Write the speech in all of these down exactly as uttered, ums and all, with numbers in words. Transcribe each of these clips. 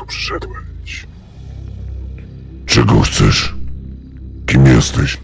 tu przyszedłeś? Czego chcesz? Kim jesteś?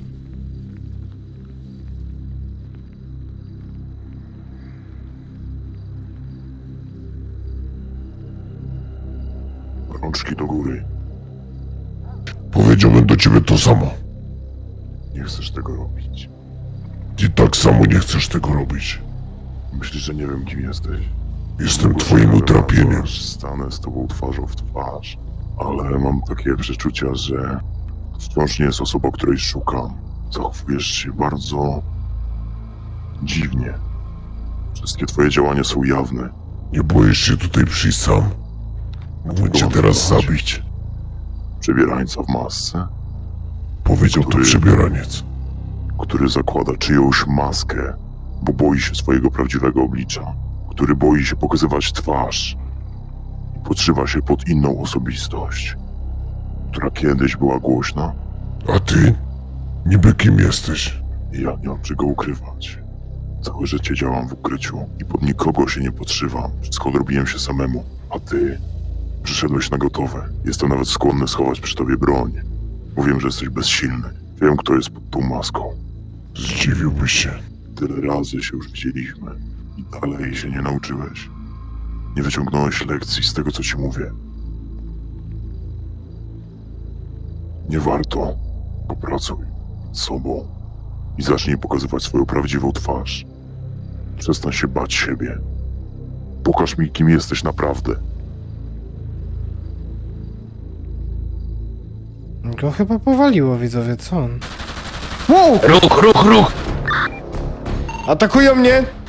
Rączki do góry. Powiedziałbym do ciebie to samo. Nie chcesz tego robić. Ty tak samo nie chcesz tego robić. Myślisz, że nie wiem, kim jesteś? Jestem twoim utrapieniem. Stanę z tobą twarzą w twarz, ale mam takie przeczucia, że wciąż nie jest osoba, której szukam. Zachowujesz się bardzo dziwnie. Wszystkie twoje działania są jawne. Nie boisz się tutaj przyjść sam? Mógłbym cię teraz zabić. Przebierańca w masce, Powiedział to Który- przebieraniec. który zakłada czyjąś maskę, bo boi się swojego prawdziwego oblicza, który boi się pokazywać twarz i podszywa się pod inną osobistość, która kiedyś była głośna. A ty? Niby kim jesteś? I ja nie mam czego ukrywać. Całe życie działam w ukryciu i pod nikogo się nie podszywam. Wszystko odrobiłem się samemu. A ty przyszedłeś na gotowe. Jestem nawet skłonny schować przy tobie broń. Mówię, że jesteś bezsilny. Wiem, kto jest pod tą maską. Zdziwiłbyś się. Tyle razy się już widzieliśmy i dalej się nie nauczyłeś. Nie wyciągnąłeś lekcji z tego, co ci mówię. Nie warto. Popracuj nad sobą i zacznij pokazywać swoją prawdziwą twarz. Przestań się bać siebie. Pokaż mi, kim jesteś naprawdę. Go chyba powaliło, widzowie, co on? Wow! Ruch, ruch, ruch! Atakują mnie!